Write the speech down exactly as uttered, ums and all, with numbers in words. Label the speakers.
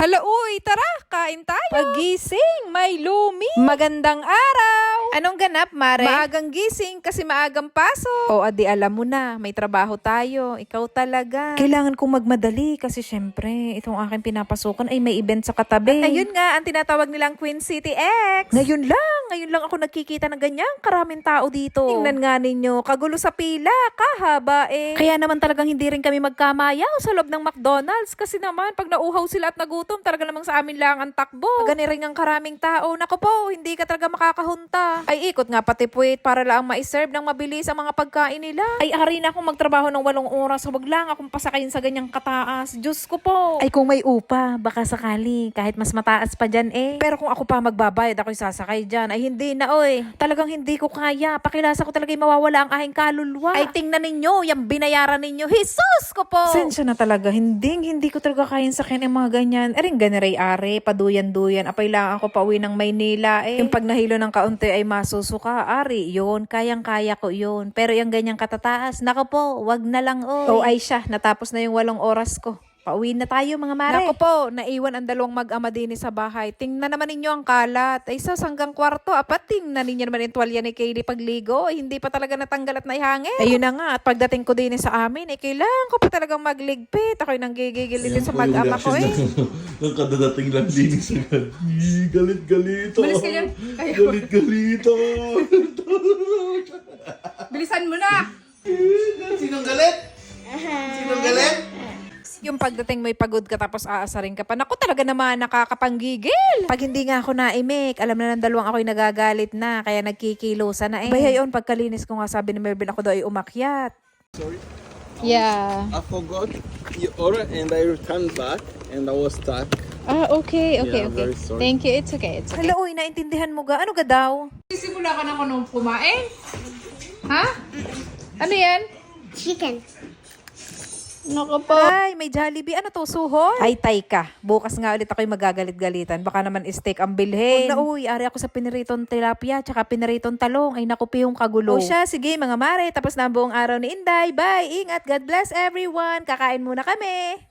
Speaker 1: Hala, uy, tara, kain tayo.
Speaker 2: Pagising, may lumi.
Speaker 1: Magandang araw.
Speaker 2: Anong ganap, Mare?
Speaker 1: Maagang gising kasi maagang pasok. O, adi alam mo na, may trabaho tayo. Ikaw talaga.
Speaker 2: Kailangan kong magmadali kasi syempre, itong aking pinapasukan ay may event sa katabi.
Speaker 1: At ayun nga, ang tinatawag nilang Queen City X.
Speaker 2: Ngayon lang, ngayon lang ako nagkikita ng ganyang karaming tao dito.
Speaker 1: Tingnan nga ninyo, kagulo sa pila, kahaba eh.
Speaker 2: Kaya naman talagang hindi rin kami magkamayaw sa loob ng McDonald's kasi naman pag nauhaw sila at nagutom, talaga namang sa amin lang ang takbo.
Speaker 1: Gani rin ang karaming tao. Naku po, hindi ka talaga makakahunta. Ay, ikot nga pati puwit para lang ma-serve ng mabilis ang mga pagkain nila.
Speaker 2: Ay, ari na akong magtrabaho ng walong oras. Huwag lang akong pasakayin sa ganyang kataas. Diyos ko po.
Speaker 1: Ay, kung may upa, baka sakali, kahit mas mataas pa dyan eh.
Speaker 2: Pero kung ako pa magbabayad, ako'y sasakay dyan. Ay, hindi na, oy. Talagang hindi ko kaya. Pakilasa ko talaga mawawala ang aking kaluluwa.
Speaker 1: Ay, tingnan ninyo, yung binayaran ninyo. Jesus ko po!
Speaker 2: Sensya na talaga. Hindi, hindi ko talaga kayang sakin ang mga ganyan. Ering ganiray are, paduyan-duyan. Apay lang ako pauwi ng Maynila eh. Yung pag nahilo ng kaunti ay masusuka. Ari, yun. Kayang-kaya ko yun. Pero yung ganyang katataas, nako po, wag na lang, oy.
Speaker 1: Oh, ay siya, natapos na yung walong oras ko.
Speaker 2: Pauwi na tayo, mga mare.
Speaker 1: Naku po, naiwan ang dalawang mag-ama din sa bahay. Tingnan naman ninyo ang kalat. Ay, sa hanggang kwarto. Apat, tingnan ninyo naman yung tuwalya ni Kaylee pagligo. Ay, hindi pa talaga natanggal at naihangin. Ayun na nga, at pagdating ko din sa amin, eh, kailangan ko pa talagang magligpit. Ako'y nanggigigil din sa mag-ama ko eh.
Speaker 3: Nang kadadating lang din sa gabi. Galit-galit ako.
Speaker 4: Bilis ka dyan. Ayaw.
Speaker 3: Galit-galit ako.
Speaker 4: Bilisan mo na!
Speaker 3: Sinong galit? Sinong galit?
Speaker 1: Yung pagdating mo'y pagod ka tapos aasarin ka pa. Naku, talaga naman nakakapanggigil. Pag hindi nga ako naimik, alam na ng dalawang ako'y nagagalit na, kaya nagkikilosa na eh. Bay, ayon, pagkalinis ko nga sabi ni Melvin, ako daw ay umakyat.
Speaker 4: Yeah.
Speaker 5: I forgot your order and I returned back and I was stuck.
Speaker 4: Ah, okay, okay,
Speaker 5: Yeah,
Speaker 4: okay.
Speaker 5: very sorry.
Speaker 4: Thank you, it's okay, it's okay.
Speaker 1: Hala, uy, naintindihan mo ga? Ano ga daw?
Speaker 4: Sisimula ka na ko nung kumain? Ha? Ano yan?
Speaker 6: Chicken.
Speaker 4: Naku po.
Speaker 1: Ay, may Jollibee. Ano to, suhol? Ay, tay ka. Bukas nga ulit ako'y magagalit-galitan. Baka naman steak ang bilhin. Huwag na, uy. Ari ako sa piniritong tilapia, tsaka piniritong talong. Ay, naku, yung kagulo. O siya, sige, mga mare. Tapos na ang buong araw ni Inday. Bye. Ingat. God bless everyone. Kakain muna kami.